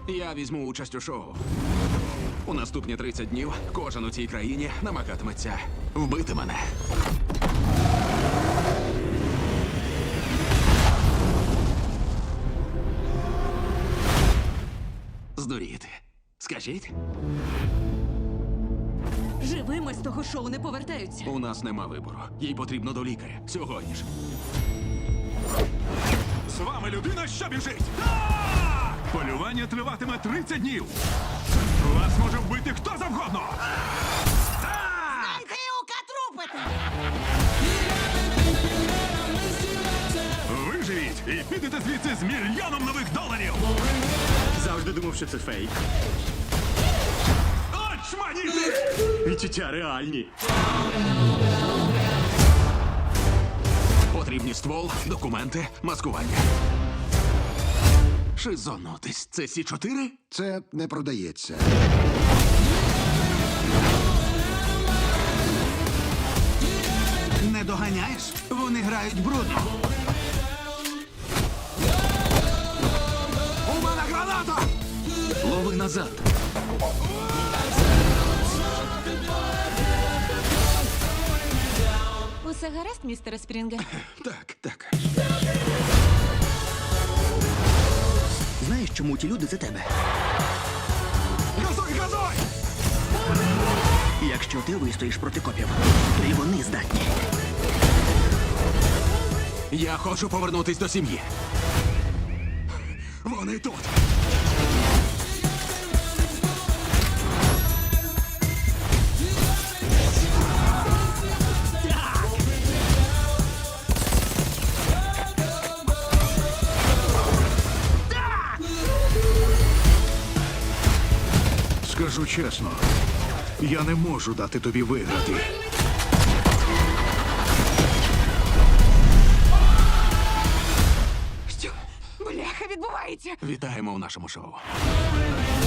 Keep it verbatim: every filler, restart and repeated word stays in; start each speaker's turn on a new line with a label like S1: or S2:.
S1: Я візьму участь у шоу. У наступні тридцять днів кожен у цій країні намагатиметься вбити мене. Здуріти. Скажіть?
S2: Живими з того шоу не повертаються.
S1: У нас нема вибору. Їй потрібно до лікаря. Сьогодні ж.
S3: З вами людина, що біжить! Так! Полювання триватиме тридцять днів. Вас може вбити хто завгодно. Так!
S4: Грілка трупити!
S3: Виживіть і підете звідси з мільйоном нових доларів.
S5: Завжди думав, що це фейк.
S3: Очманіти!
S5: Відчуття реальні.
S1: Потрібні ствол, документи, маскування. Шизонутись. Це Сі чотири?
S6: Це не продається.
S7: Не доганяєш? Вони грають брудно.
S1: У мене граната! Лови назад.
S2: Усе гаразд, містере Спрінге?
S1: Так, так.
S7: Знаєш, чому ті люди за тебе?
S1: Газуй, газуй!
S7: Якщо ти вистоїш проти копів, то і вони здатні.
S1: Я хочу повернутись до сім'ї. Вони тут.
S6: Скажу чесно, я не можу дати тобі виграти.
S2: Що? Бляха, відбувається!
S1: Вітаємо у нашому шоу.